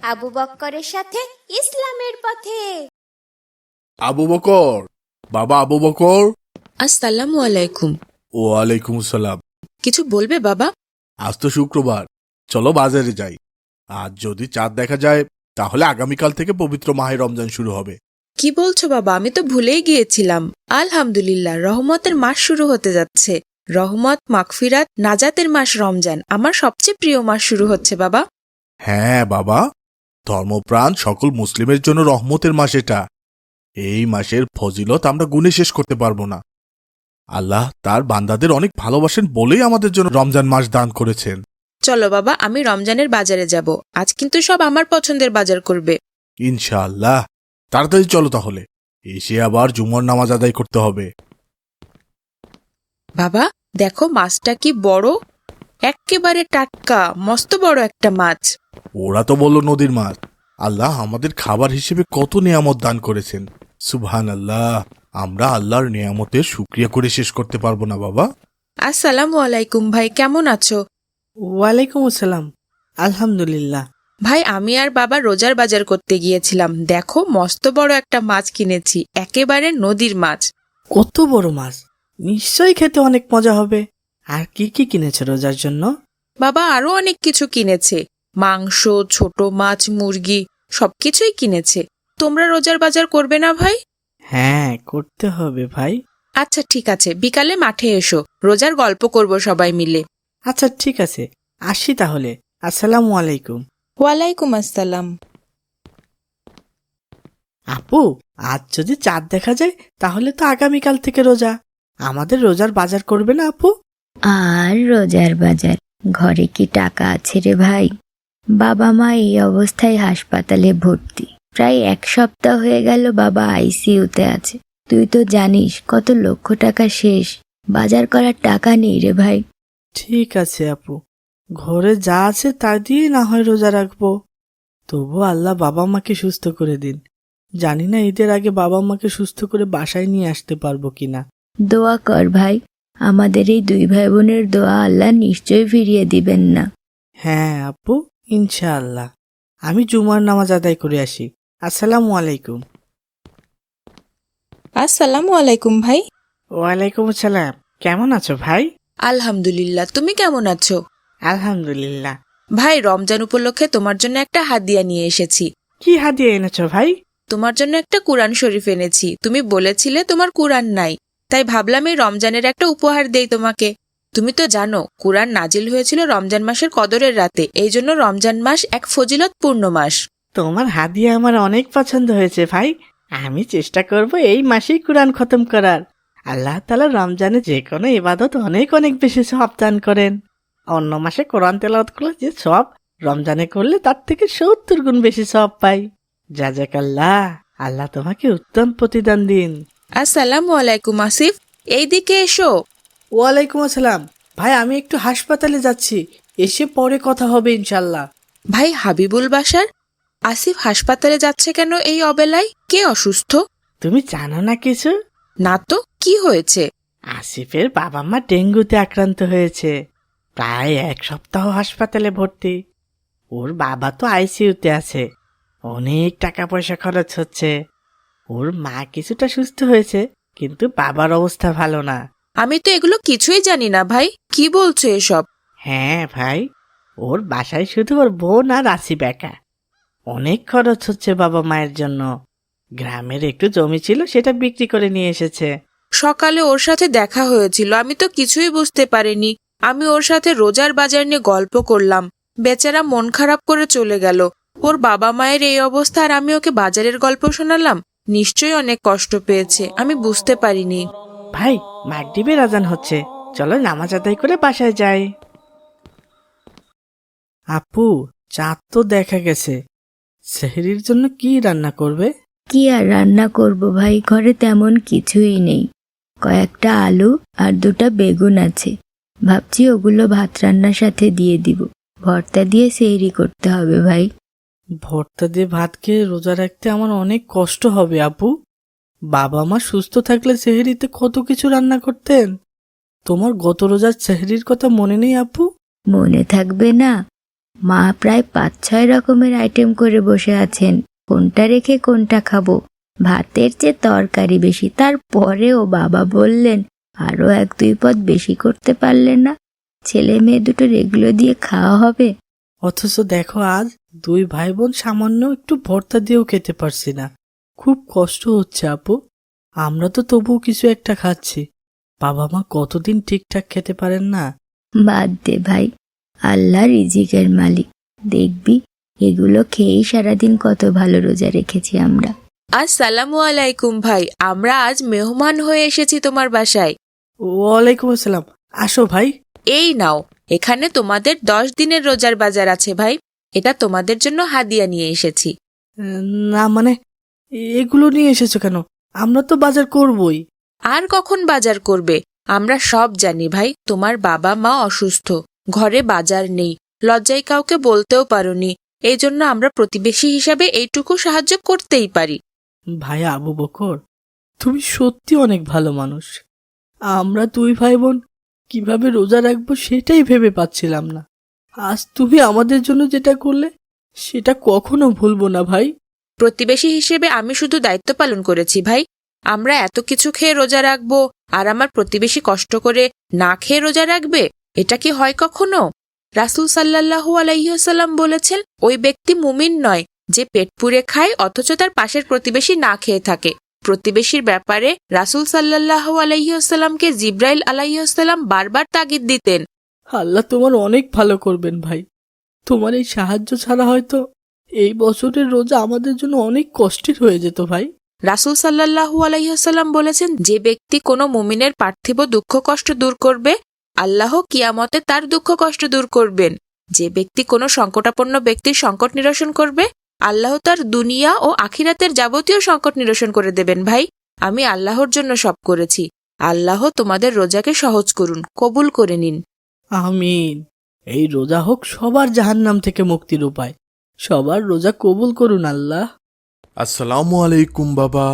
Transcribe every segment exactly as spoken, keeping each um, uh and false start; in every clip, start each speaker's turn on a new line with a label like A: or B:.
A: আবু বক্করের সাথে ইসলামের পথে।
B: আবু বকর, বাবা আবু বকর।
C: আসসালামু আলাইকুম।
B: ওয়ালাইকুম সালাম।
C: কিছু বলবে বাবা?
B: আজ তো শুক্রবার, চলো বাজারে যাই। আজ যদি চাঁদ দেখা যায় তাহলে আগামীকাল থেকে পবিত্র মাহে রমজান শুরু হবে।
C: কি বলছো বাবা? আমি তো ভুলেই গিয়েছিলাম। আলহামদুলিল্লাহ, রহমতের মাস শুরু হতে যাচ্ছে। রহমত, মাগফিরাত, নাজাতের মাস রমজান আমার সবচেয়ে প্রিয় মাস শুরু হচ্ছে বাবা।
B: হ্যাঁ বাবা, ধর্মপ্রাণ সকল মুসলিমের জন্য রহমতের মাস এটা। এই মাসের ফজিলত আমরা গুণে শেষ করতে পারবো না। আল্লাহ তার বান্দাদের অনেক ভালোবাসেন বলেই আমাদের জন্য রমজান মাস দান করেছেন।
C: চলো বাবা, আমি রমজানের বাজারে যাব। আজ কিন্তু সব আমার পছন্দের বাজার করবে।
B: ইনশাআল্লাহ, তাড়াতাড়ি চলো তাহলে, এসে আবার জুমার নামাজ আদায় করতে হবে।
C: বাবা দেখো, মাছটা কি বড়, এক্কেবারে টাটকা, মস্ত বড় একটা মাছ।
B: ওরা তো বলল নদীর মাছ। আল্লাহ আমাদের খাবার হিসেবে কত নিয়ামত দান করেছেন। সুবহান আল্লাহ, আমরা আল্লাহর নিয়ামতের শুকরিয়া করে শেষ করতে পারবো না বাবা।
C: আসসালামু আলাইকুম ভাই, কেমন আছো?
D: ওয়ালাইকুম আসসালাম। আলহামদুলিল্লাহ।
C: ভাই, আমি আর বাবা রোজার বাজার করতে গিয়েছিলাম। দেখো, মস্ত বড় একটা মাছ কিনেছি, একেবারে নদীর মাছ।
D: কত বড় মাছ! নিশ্চয়ই খেতে অনেক মজা হবে। আর কি কি কিনেছো রোজার জন্য?
C: বাবা আরো অনেক কিছু কিনেছে, মাংস, ছোট মাছ, মুরগি, সবকিছুই কিনেছে। তোমরা রোজার বাজার করবে না ভাই?
D: হ্যাঁ, করতে হবে ভাই।
C: আচ্ছা ঠিক আছে, বিকালে মাঠে এসো, রোজার গল্প করব সবাই মিলে।
D: আচ্ছা ঠিক আছে, আসি তাহলে। আসসালামু আলাইকুম।
C: ওয়ালাইকুম আসসালাম।
D: আপু, আজ যদি চাঁদ দেখা যায় তাহলে তো আগামীকাল থেকে রোজা। আমাদের রোজার বাজার করবে না আপু?
E: আর রোজার বাজার, ঘরে কি টাকা আছে রে ভাই? বাবা মা এই অবস্থায় হাসপাতালে ভর্তি, প্রায় এক সপ্তাহ হয়ে গেল বাবা আইসিইউতে আছে। তুই তো জানিস কত লক্ষ টাকা শেষ, বাজার করার টাকা নেই রে ভাই।
D: ঠিক আছে আপু, ঘরে যা আছে তা দিয়ে না হয় রোজা রাখবো। তবু আল্লাহ বাবা মাকে সুস্থ করে দিন। জানি না ঈদের আগে বাবা মাকে সুস্থ করে বাসায় নিয়ে আসতে পারবো কিনা।
E: দোয়া কর ভাই, আমাদের এই দুই ভাই বোনের দোয়া আল্লাহ নিশ্চয়ই ফিরিয়ে দিবেন না।
D: হ্যাঁ আপু, ইনশাআল্লাহ। আমি জুমার নামাজ আদায় করে আসি। আসসালামু আলাইকুম।
C: আসসালামু আলাইকুম ভাই।
D: ওয়ালাইকুম আসসালাম। কেমন আছো ভাই?
C: আলহামদুলিল্লাহ, তুমি কেমন আছো?
D: আলহামদুলিল্লাহ।
C: ভাই, রমজান উপলক্ষে তোমার জন্য একটা হাদিয়া নিয়ে এসেছি।
D: কি হাদিয়া এনেছো ভাই?
C: তোমার জন্য একটা কুরআন শরীফ এনেছি। তুমি বলেছিলে তোমার কুরআন নাই, তাই ভাবলাম এই রমজানের একটা উপহার দেই তোমাকে। তুমি তো জানো কুরআন নাজিল হয়েছিল রমজান মাসের কদরের রাতে, এই জন্য রমজান মাস এক ফজিলতপূর্ণ মাস।
D: তোমার হাদিয়া আমার অনেক পছন্দ হয়েছে ভাই। আমি চেষ্টা করব এই মাসেই কুরআন খতম করার। আল্লাহ তাআলা রমজানে যে কোনো ইবাদত অনেক অনেক বেশি সওয়াব দান করেন। অন্য মাসে কোরআন তেলাওয়াত করলে যে সওয়াব, রমজানে করলে তার থেকে সত্তর গুণ বেশি সওয়াব পাই। জাযাকাল্লাহ, আল্লাহ তোমাকে উত্তম প্রতিদান দিন।
C: আসসালামু আলাইকুম আসিফ, এইদিকে এসো।
D: ওয়ালাইকুম আসসালাম। ভাই, আমি একটু হাসপাতালে যাচ্ছি, এসে পরে কথা হবে ইনশাল্লাহ।
C: ভাই, হাবিবুল বাসার আসিফ হাসপাতালে যাচ্ছে কেন এই অবেলায়? কে অসুস্থ?
D: তুমি জানো না কিছু?
C: না তো, কি হয়েছে?
D: আসিফের বাবা মা ডেঙ্গুতে আক্রান্ত হয়েছে, প্রায় এক সপ্তাহ হাসপাতালে ভর্তি। ওর বাবা তো আইসিইউতে আছে, অনেক টাকা পয়সা খরচ হচ্ছে। ওর মা কিছুটা সুস্থ হয়েছে, কিন্তু বাবার অবস্থা ভালো না।
C: আমি তো এগুলো কিছুই জানি না ভাই, কি বলছো এসব?
D: হ্যাঁ ভাই, ওর বাসায় শুধু ওর বোন আর আসিফ একা। অনেক খরচ হচ্ছে বাবা মায়ের জন্য। গ্রামের একটু জমি ছিল, সেটা বিক্রি করে নিয়ে এসেছে।
C: সকালে ওর সাথে দেখা হয়েছিল, আমি তো কিছুই বুঝতে পারিনি। আমি ওর সাথে রোজার বাজার নিয়ে গল্প করলাম, বেচারা মন খারাপ করে চলে গেল। ওর বাবা মায়ের এই অবস্থা, আর আমি ওকে বাজারের গল্প শোনালাম। নিশ্চয়ই অনেক কষ্ট পেয়েছে, আমি বুঝতে পারিনি।
D: ভাই, মাগরিবের আজান হচ্ছে, চলো নামাজ আদায় করে বাসায় যাই। আপু, চাঁদ তো দেখা গেছে, সেহরির জন্য কি রান্না করবে?
E: কি আর রান্না করব ভাই, ঘরে তেমন কিছুই নেই। কয়েকটা আলু আর দুটা বেগুন আছে, ভাবছি ওগুলো ভাত রান্নার সাথে দিয়ে দিব। ভর্তা দিয়ে সেহরি করতে হবে ভাই।
D: ভর্তা দিয়ে ভাত খেয়ে রোজা রাখতে আমার অনেক কষ্ট হবে আপু। বাবা মা সুস্থ থাকলে সেহরিতে কত কিছু রান্না করতেন। তোমার গত রোজার সেহরির কথা মনে নেই আপু?
E: মনে থাকবে না? মা প্রায় পাঁচ ছয় রকমের আইটেম করে বসে আছেন, কোনটা রেখে কোনটা খাবো। ভাতের চেয়ে তরকারি বেশি, তারপরেও বাবা বললেন আরো এক দুই পদ বেশি করতে পারলেন না? ছেলে মেয়ে দুটোর এগুলো দিয়ে খাওয়া হবে?
D: অথচ দেখো আজ দুই ভাই বোন সামান্য একটু ভর্তা দিয়েও খেতে পারছি না। খুব কষ্ট হচ্ছে আপু। আমরা তো তবুও কিছু একটা খাচ্ছি, বাবা মা কতদিন ঠিকঠাক খেতে পারেন না।
E: বাদ দে ভাই, আল্লাহ রিজিকের মালিক, দেখবি এগুলো খেয়েই সারাদিন কত ভালো রোজা রেখেছি আমরা।
C: আসসালামু আলাইকুম ভাই, আমরা আজ মেহমান হয়ে এসেছি তোমার বাসায়।
D: ওয়ালাইকুম আসসালাম, আসো ভাই।
C: এই নাও, এখানে তোমাদের দশ দিনের রোজার বাজার আছে ভাই, এটা তোমাদের জন্য হাদিয়া নিয়ে এসেছি।
D: উম, না মানে এগুলো নিয়ে এসেছো কেন? আমরা তো বাজার করবই।
C: আর কখন বাজার করবে? আমরা সব জানি ভাই, তোমার বাবা মা অসুস্থ, ঘরে বাজার নেই, লজ্জায় কাউকে বলতেও পারোনি, এই জন্য আমরা প্রতিবেশী হিসাবে এইটুকু সাহায্য করতেই পারি।
D: ভাই আবু বকর, তুমি সত্যি অনেক ভালো মানুষ। আমরা দুই ভাই বোন কিভাবে রোজা রাখবো সেটাই ভেবে পাচ্ছিলাম না। আজ তুমি আমাদের জন্য যেটা করলে সেটা কখনো ভুলবো না ভাই।
C: প্রতিবেশী হিসেবে আমি শুধু দায়িত্ব পালন করেছি ভাই। আমরা এত কিছু খেয়ে রোজা রাখবো আর আমার প্রতিবেশী কষ্ট করে না খেয়ে রোজা রাখবে? এটা কি হয় কখনো? রাসূল সাল্লাল্লাহু আলাইহি ওয়াসাল্লাম বলেছেন, ওই ব্যক্তি মুমিন নয় যে পেট পুরে খায় অথচ তার পাশের প্রতিবেশী না খেয়ে থাকে। প্রতিবেশীর ব্যাপারে রাসূল সাল্লাল্লাহু আলাইহি ওয়াসাল্লামকে জিবরাইল আলাইহি ওয়াসাল্লাম বারবার তাগিদ দিতেন।
D: আল্লাহ তোমার অনেক ভালো করবেন ভাই। তোমার এই সাহায্য ছাড়া হয়তো এই বছরের রোজা আমাদের জন্য অনেক কষ্টের হয়ে যেত ভাই।
C: রাসূল সাল্লাল্লাহু আলাইহি ওয়াসাল্লাম বলেছেন, যে ব্যক্তি কোনো মুমিনের পার্থিব দুঃখ কষ্ট দূর করবে, আল্লাহ কিয়ামতে তার দুঃখ কষ্ট দূর করবেন। যে ব্যক্তি কোনো সংকটাপন্ন ব্যক্তির সংকট নিরসন করবে, আল্লাহ তার দুনিয়া ও আখিরাতের যাবতীয় সংকট নিরসন করে দেবেন। ভাই, আমি আল্লাহর জন্য সব করেছি। আল্লাহ তোমাদের রোজাকে সহজ করুন, কবুল করে নিন।
D: আমিন। এই রোজা হোক সবার জাহান্নাম থেকে মুক্তির উপায়। সবার রোজা কবুল করুন আল্লাহ।
B: আসসালামু আলাইকুম বাবা।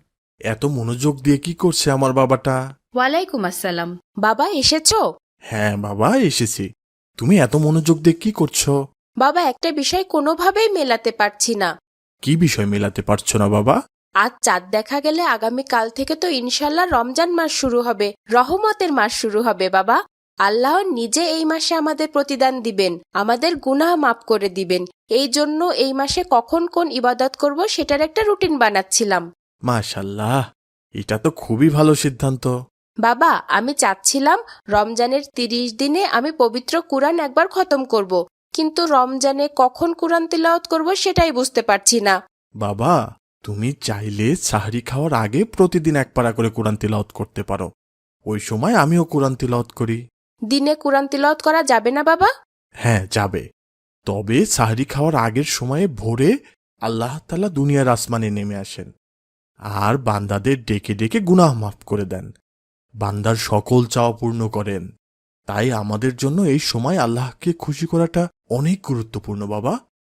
B: এত মনোযোগ দিয়ে কি করছে আমার বাবাটা?
A: ওয়ালাইকুম আসসালাম।
C: বাবা এসেছো?
B: হ্যাঁ বাবা, এসেছি। তুমি এত মনোযোগ দিয়ে কি করছো?
A: বাবা, একটা বিষয় কোনোভাবেই মেলাতে পারছি না।
B: কি বিষয় মেলাতে পারছো না বাবা?
A: আজ চাঁদ দেখা গেলে আগামী কাল থেকে তো ইনশাল্লাহ রমজান মাস শুরু হবে, রহমতের মাস শুরু হবে বাবা। আল্লাহ নিজে এই মাসে আমাদের প্রতিদান দিবেন, আমাদের গুনাহ মাফ করে দিবেন। এই জন্য এই মাসে কখন কোন ইবাদত করব সেটার একটা রুটিন বানাচ্ছিলাম।
B: মাশাল্লাহ, এটা তো খুবই ভালো সিদ্ধান্ত।
A: বাবা, আমি চাচ্ছিলাম রমজানের তিরিশ দিনে আমি পবিত্র কুরআন একবার খতম করব, কিন্তু রমজানে কখন কুরআন তিলাওয়াত করব সেটাই বুঝতে পারছি না।
B: বাবা, তুমি চাইলে সাহরি খাওয়ার আগে প্রতিদিন এক পারা করে কোরআন তিলাওয়াত করতে পারো। ওই সময় আমিও কোরআন তিলাওয়াত করি।
A: দিনে কুরআন তিলাওয়াত করা যাবে না বাবা?
B: হ্যাঁ যাবে, তবে সাহরি খাওয়ার আগের সময়ে ভোরে আল্লাহ তাআলা দুনিয়ার আসমানে নেমে আসেন আর বান্দাদের ডেকে ডেকে গুনাহ মাফ করে দেন, বান্দার সকল চাওয়া পূর্ণ করেন। তাই আমাদের জন্য এই সময় আল্লাহকে খুশি করাটা অনেক গুরুত্বপূর্ণ বাবা।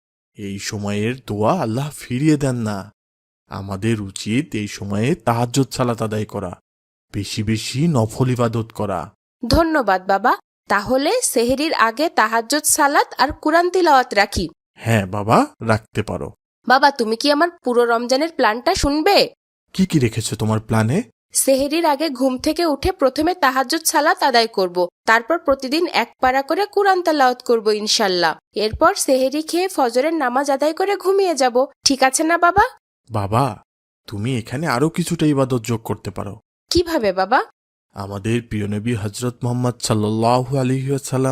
B: এই সময়ের দোয়া আল্লাহ ফিরিয়ে দেন না। আমাদের উচিত এই সময়ে তাহাজ্জুদ সালাত আদায় করা, বেশি বেশি নফল ইবাদত করা।
A: ধন্যবাদ বাবা। তাহলে সেহরির আগে তাহাজ্জুদ সালাত আর কুরআন তিলাওয়াত রাখি।
B: হ্যাঁ বাবা, রাখতে পারো।
A: বাবা, তুমি কি আমার পুরো রমজানের প্ল্যানটা শুনবে?
B: কি কি রেখেছো তোমার প্ল্যানে?
A: সেহরির আগে ঘুম থেকে উঠে প্রথমে তাহাজ্জুদ সালাত আদায় করব, তারপর প্রতিদিন এক পারা করে কুরআন তেলাওয়াত করব ইনশাল্লাহ। এরপর সেহরি খেয়ে ফজরের নামাজ আদায় করে ঘুমিয়ে যাব। ঠিক আছে না বাবা?
B: বাবা, তুমি এখানে আরো কিছুটা ইবাদত যোগ করতে পারো।
A: কিভাবে বাবা?
B: আমাদের প্রিয় নবী হযরত মুহাম্মদ সাল্লাল্লাহু আলাইহি ওয়াসাল্লাম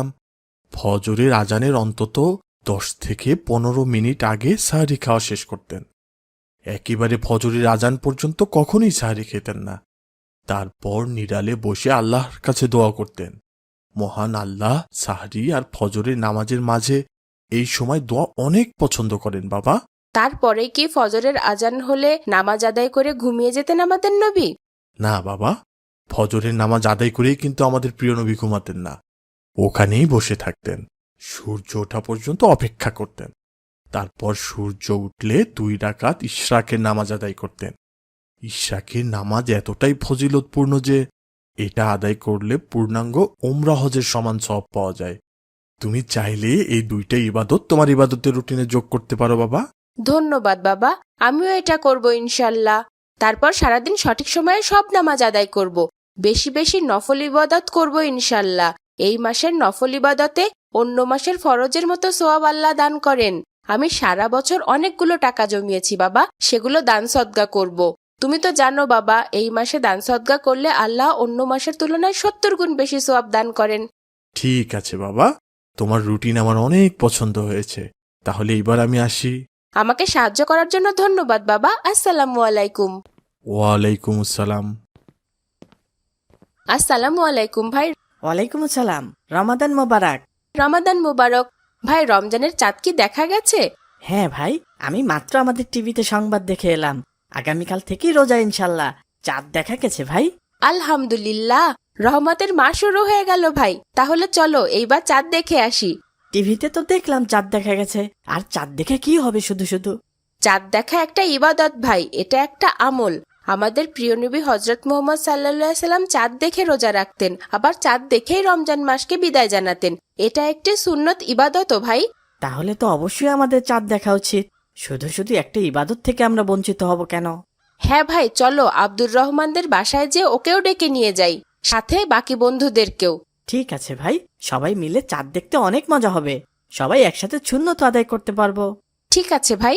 B: ফজরের আজানের অন্তত দশ থেকে পনেরো মিনিট আগে সাহরি খাওয়া শেষ করতেন। একেবারে ফজরের আজান পর্যন্ত কখনোই সাহরি খেতেন না। তারপর নিরালে বসে আল্লাহর কাছে দোয়া করতেন। মহান আল্লাহ সাহরি আর ফজরের নামাজের মাঝে এই সময় দোয়া অনেক পছন্দ করেন বাবা।
A: তারপরে কি ফজরের আজান হলে নামাজ আদায় করে ঘুমিয়ে যেতেন আমাদের নবী?
B: না বাবা, ফজরের নামাজ আদায় করেই কিন্তু আমাদের প্রিয় নবী ঘুমাতেন না। ওখানেই বসে থাকতেন, সূর্য ওঠা পর্যন্ত অপেক্ষা করতেন। তারপর সূর্য উঠলে দুই রাকাত ইশরাকের নামাজ আদায় করতেন। ইশরাকের নামাজ এতটাই ফজিলতপূর্ণ যে এটা আদায় করলে পূর্ণাঙ্গ ওমরা হজের সমান সওয়াব পাওয়া যায়। তুমি চাইলে এই দুইটা ইবাদত তোমার ইবাদতের রুটিনে যোগ করতে পারো বাবা।
A: ধন্যবাদ বাবা, আমিও এটা করব ইনশাল্লাহ। তারপর সারাদিন সঠিক সময়ে সব নামাজ আদায় করব, বেশি বেশি নফল ইবাদত করব ইনশাল্লাহ। এই মাসের নফল ইবাদতে অন্য মাসের ফরজের মতো সোয়াব আল্লাহ দান করেন। আমি সারা বছর অনেকগুলো টাকা জমিয়েছি বাবা, সেগুলো দান সদগা করব। তুমি তো জানো বাবা, এই মাসে দান সদগা করলে আল্লাহ অন্য মাসের তুলনায় সত্তর গুণ বেশি সোয়াব দান করেন।
B: ঠিক আছে বাবা, তোমার রুটিন আমার অনেক পছন্দ হয়েছে। তাহলে এবার আমি আসি।
A: আমাকে সাহায্য করার জন্য ধন্যবাদ বাবা। আসসালামু আলাইকুম।
B: ওয়ালাইকুম আসসালাম।
A: আসসালামু আলাইকুম ভাই।
D: ওয়ালাইকুম আসসালাম, রমাদান মোবারক।
A: রমাদান মুবারক। ভাই, রমজানের চাঁদ কি দেখা গেছে?
D: হ্যাঁ ভাই, আমি মাত্র আমাদের টিভিতে সংবাদ দেখে এলাম। আগামীকাল থেকেই রোজা, ইনশাল্লাহ চাঁদ দেখা গেছে ভাই।
A: আলহামদুলিল্লাহ, রহমতের মাস শুরু হয়ে গেল ভাই। তাহলে চলো এইবার চাঁদ দেখে আসি।
D: টিভিতে তো দেখলাম চাঁদ দেখা গেছে, আর চাঁদ দেখে কি হবে শুধু শুধু?
A: চাঁদ দেখা একটা ইবাদত ভাই, এটা একটা আমল। আমাদের প্রিয় নবী হজরত মুহাম্মদ সাল্লাল্লাহু আলাইহি সাল্লাম চাঁদ দেখে রোজা রাখতেন, আবার চাঁদ দেখেই রমজান মাসকে বিদায় জানাতেন। এটা একটি সুন্নত ইবাদত ভাই।
D: তাহলে তো অবশ্যই আমাদের চাঁদ দেখা উচিত। শুধু শুধু একটা ইবাদত থেকে আমরা বঞ্চিত হব কেন?
A: হ্যাঁ ভাই, চলো আব্দুর রহমানদের বাসায় যে ওকেও ডেকে নিয়ে যাই, সাথে বাকি বন্ধুদেরকেও।
D: ঠিক আছে ভাই, সবাই মিলে চাঁদ দেখতে অনেক মজা হবে। সবাই একসাথে সুন্নত আদায় করতে পারবো।
A: ঠিক আছে ভাই।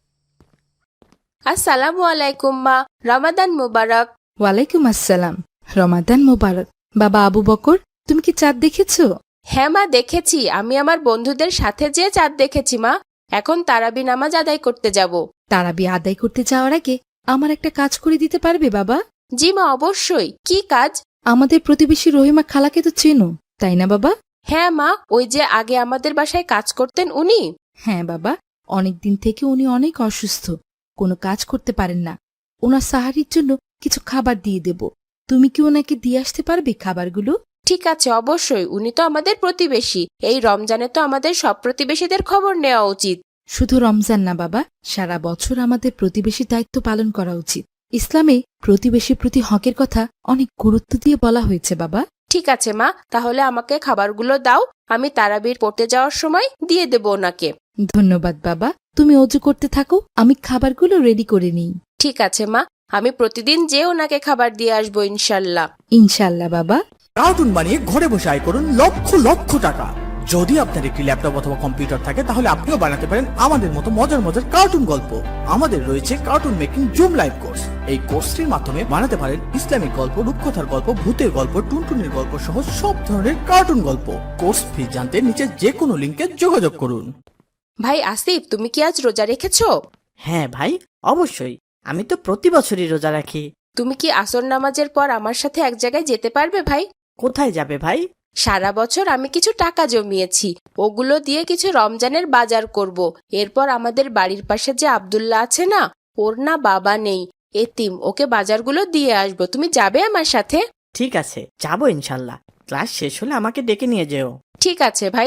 A: আসসালামু আলাইকুম মা, রমাদান মুবারক।
F: ওয়ালাইকুম আসসালাম, রমাদান মোবারক। বাবা আবু বকর, তুমি কি চাঁদ দেখেছো?
A: হ্যাঁ মা, দেখেছি। আমি আমার বন্ধুদের সাথে যেয়ে চাঁদ দেখেছি মা। এখন তারাবি নামাজ আদায় করতে যাব।
F: তারাবি আদায় করতে যাওয়ার আগে আমার একটা কাজ করে দিতে পারবে বাবা?
A: জি মা, অবশ্যই। কি কাজ?
F: আমাদের প্রতিবেশী রহিমা খালাকে তো চেনো, তাই না বাবা?
A: হ্যাঁ মা, ওই যে আগে আমাদের বাসায় কাজ করতেন উনি।
F: হ্যাঁ বাবা, অনেকদিন থেকে উনি অনেক অসুস্থ, কোনো কাজ করতে পারেন না। ওনার সাহারির জন্য কিছু খাবার দিয়ে দেব, তুমি কি ওনাকে দিয়ে আসতে পারবে খাবারগুলো?
A: ঠিক আছে, অবশ্যই। উনি তো আমাদের প্রতিবেশী। এই রমজানে তো আমাদের সব প্রতিবেশীদের খবর নেওয়া উচিত।
F: শুধু রমজান না বাবা, সারা বছর আমাদের প্রতিবেশী দায়িত্ব পালন করা উচিত। ইসলামে প্রতিবেশীর প্রতি হকের কথা অনেক গুরুত্ব দিয়ে বলা হয়েছে বাবা।
A: ঠিক আছে মা, তাহলে আমাকে খাবারগুলো দাও। আমি তারাবির পড়তে যাওয়ার সময় দিয়ে দেব ওনাকে।
F: ধন্যবাদ বাবা, তুমি অজু করতে থাকো, আমি খাবারগুলো রেডি করে নিই।
A: ঠিক আছে মা, আমি প্রতিদিন যে ওনাকে খাবার দিয়ে আসবো ইনশাল্লাহ।
F: ইনশাল্লাহ বাবা।
G: কার্টুন বানিয়ে ঘরে বসে আয় করুন লক্ষ লক্ষ টাকা। যদি আপনার একটি ল্যাপটপ অথবা কম্পিউটার থাকে তাহলে আপনিও বানাতে পারেন আমাদের মতো মজার মজার কার্টুন গল্প। আমাদের রয়েছে cartoon making zoom live course. এই কোর্সটির মাধ্যমে বানাতে পারেন ইসলামিক গল্প, রূপকথার গল্প, ভূতের গল্প, টুনটুনির গল্প সহ সব ধরনের কার্টুন গল্প। কোর্স ফি জানতে নিচে যে কোনো লিঙ্কে যোগাযোগ করুন।
A: ভাই আসিফ, তুমি কি আজ রোজা রেখেছো?
D: হ্যাঁ ভাই, অবশ্যই। আমি তো প্রতি বছরই রোজা রাখি।
A: তুমি কি আসর নামাজের পর আমার সাথে এক জায়গায় যেতে পারবে ভাই?
D: কোথায় যাবে ভাই?
A: সারা বছর আমি কিছু টাকা জমিয়েছি, ওগুলো দিয়ে কিছু রমজানের বাজার করব। এরপর আমাদের বাড়ির পাশে যে আব্দুল্লাহ আছে না, ওর না বাবা নেই, এতিম, ওকে বাজারগুলো দিয়ে আসবো। তুমি যাবে আমার সাথে?
D: ঠিক আছে, যাবো ইনশাল্লাহ। ক্লাস শেষ হলে আমাকে ডেকে নিয়ে যেও।
A: ঠিক আছে ভাই।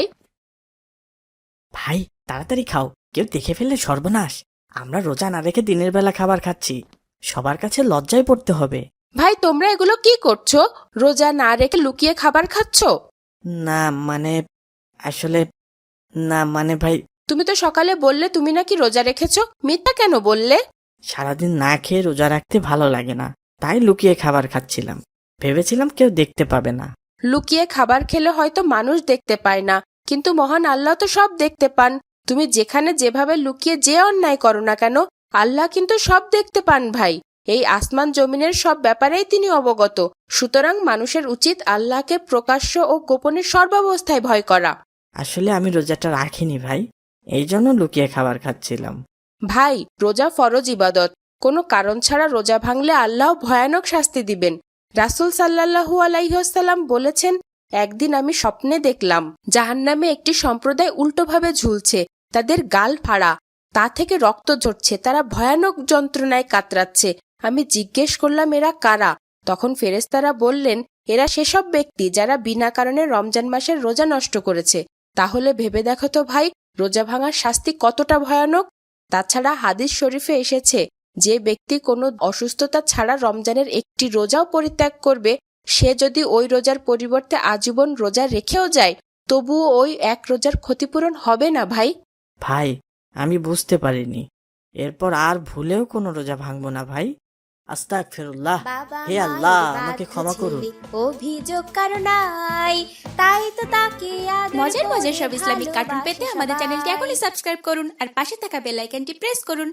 D: ভাই তাড়াতাড়ি খাও, কেউ দেখে ফেললে সর্বনাশ। আমরা রোজা না রেখে দিনের বেলা খাবার খাচ্ছি, সবার কাছে লজ্জায় পড়তে হবে।
A: ভাই, তোমরা এগুলো কি করছো? রোজা না রেখে লুকিয়ে খাবার খাচ্ছো?
D: না মানে, আসলে না মানে ভাই,
A: তুমি তো সকালে বললে তুমি নাকি রোজা রেখেছো, মিথ্যা কেন বললে?
D: সারাদিন না খেয়ে রোজা রাখতে ভালো লাগে না, তাই লুকিয়ে খাবার খাচ্ছিলাম। ভেবেছিলাম কেউ দেখতে পাবে না।
A: লুকিয়ে খাবার খেলে হয়তো মানুষ দেখতে পায় না, কিন্তু মহান আল্লাহ তো সব দেখতে পান। তুমি যেখানে যেভাবে লুকিয়ে যে অন্যায় করো না কেন, আল্লাহ কিন্তু সব দেখতে পান ভাই। এই আসমান জমিনের সব ব্যাপারেই তিনি অবগত। সুতরাং মানুষের উচিত আল্লাহকে প্রকাশ্য ও গোপনে সর্বাবস্থায় ভয় করা।
D: আসলে আমি রোজাটা রাখিনি ভাই, এই জন্য লুকিয়ে খাবার খাচ্ছিলাম।
A: ভাই, রোজা ফরজ ইবাদত। কোনো কারণ ছাড়া রোজা ভাঙলে আল্লাহ ভয়ানক শাস্তি দিবেন। রাসূল সাল্লাল্লাহু আলাইহি ওয়াসাল্লাম বলেছেন, একদিন আমি স্বপ্নে দেখলাম জাহান্নামে একটি সম্প্রদায় উল্টোভাবে ঝুলছে, তাদের গাল ফাড়া, তা থেকে রক্ত ঝরছে, তারা ভয়ানক যন্ত্রণায় কাতরাচ্ছে। আমি জিজ্ঞেস করলাম, এরা কারা? তখন ফেরেশতারা বললেন, এরা সেসব ব্যক্তি যারা বিনা কারণে রমজান মাসের রোজা নষ্ট করেছে। তাহলে ভেবে দেখো তো ভাই, রোজা ভাঙার শাস্তি কতটা ভয়ানক। তাছাড়া হাদিস শরীফে এসেছে, যে ব্যক্তি কোনো অসুস্থতা ছাড়া রমজানের একটি রোজাও পরিত্যাগ করবে, সে যদি ওই রোজার পরিবর্তে আজীবন রোজা রেখেও যায়, তবুও ওই এক রোজার ক্ষতিপূরণ হবে না ভাই।
D: ভাই আমি বুঝতে পারিনি, এরপর আর ভুলেও কোনো রোজা ভাঙবো না ভাই। আস্তাগফিরুল্লাহ। হে আল্লাহ, আমাকে ক্ষমা করুন।
H: অভিযোগ কারো নাই, তাই তো তাকে মজার মজার সব ইসলামিক কার্টুন পেতে আমাদের চ্যানেলটি এখনই সাবস্ক্রাইব করুন আর পাশে থাকা বেল আইকনটি প্রেস করুন।